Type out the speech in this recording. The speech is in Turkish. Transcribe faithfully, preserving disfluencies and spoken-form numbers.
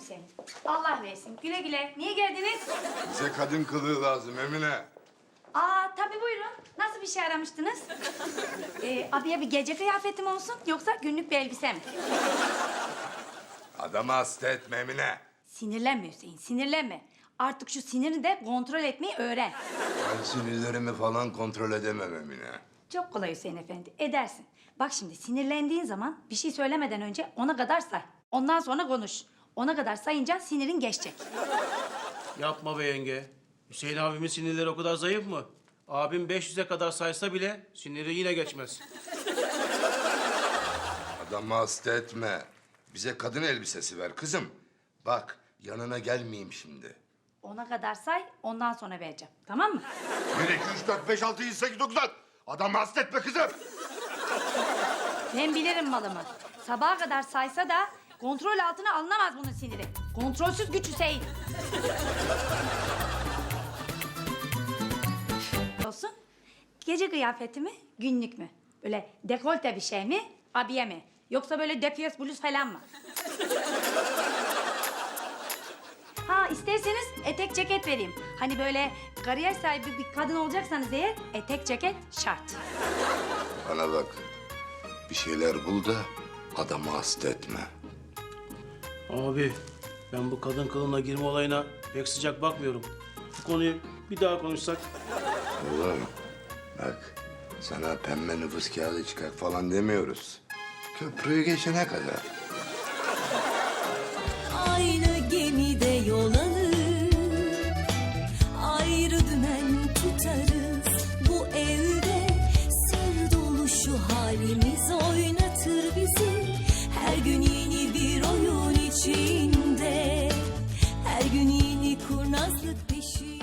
seni. Allah versin. Güle güle. Niye geldiniz? Bize kadın kılığı lazım Emine. Aa tabii buyurun. Nasıl bir şey aramıştınız? Ee, abiye bir gece kıyafeti mi olsun yoksa günlük bir elbise mi? Adamı hasta etme Emine. Sinirlenme Hüseyin, sinirlenme. Artık şu sinirini de kontrol etmeyi öğren. Ben sinirlerimi falan kontrol edemem Emine. Çok kolay Hüseyin Efendi, edersin. Bak şimdi sinirlendiğin zaman bir şey söylemeden önce ona kadar say. Ondan sonra konuş. Ona kadar sayınca sinirin geçecek. Yapma be yenge. Hüseyin abimin sinirleri o kadar zayıf mı? Abim beş yüze kadar saysa bile siniri yine geçmez. Adamı hasta etme. Bize kadın elbisesi ver kızım. Bak yanına gelmeyeyim şimdi. Ona kadar say, ondan sonra vereceğim. Tamam mı? Bir, iki, üç, dört, beş, altı, yedi, sekiz, dokuz, on. Adamı hasta etme kızım. Ben bilirim malımı. Sabaha kadar saysa da kontrol altına alınamaz bunun siniri. Kontrolsüz güç Hüseyin. Olsun. Gece kıyafeti mi, günlük mü? Böyle dekolte bir şey mi, abiye mi? Yoksa böyle defiyes bluz falan mı? Ha isterseniz etek ceket vereyim. Hani böyle kariyer sahibi bir kadın olacaksanız eğer etek ceket şart. Bana bak. Bir şeyler bul da adamı hasta etme. Abi ben bu kadın kılığına girme olayına pek sıcak bakmıyorum. Bu konuyu bir daha konuşsak. Oğlum bak sana pembe nüfus kağıdı çıkar falan demiyoruz. Köprüyü geçene kadar. Aynı gemide yol alır, ayrı dümen tutarız. Bu evde sır dolu şu halimiz oynatır bizi. Her gün yeni bir oyun içinde, her gün yeni kurnazlık peşinde.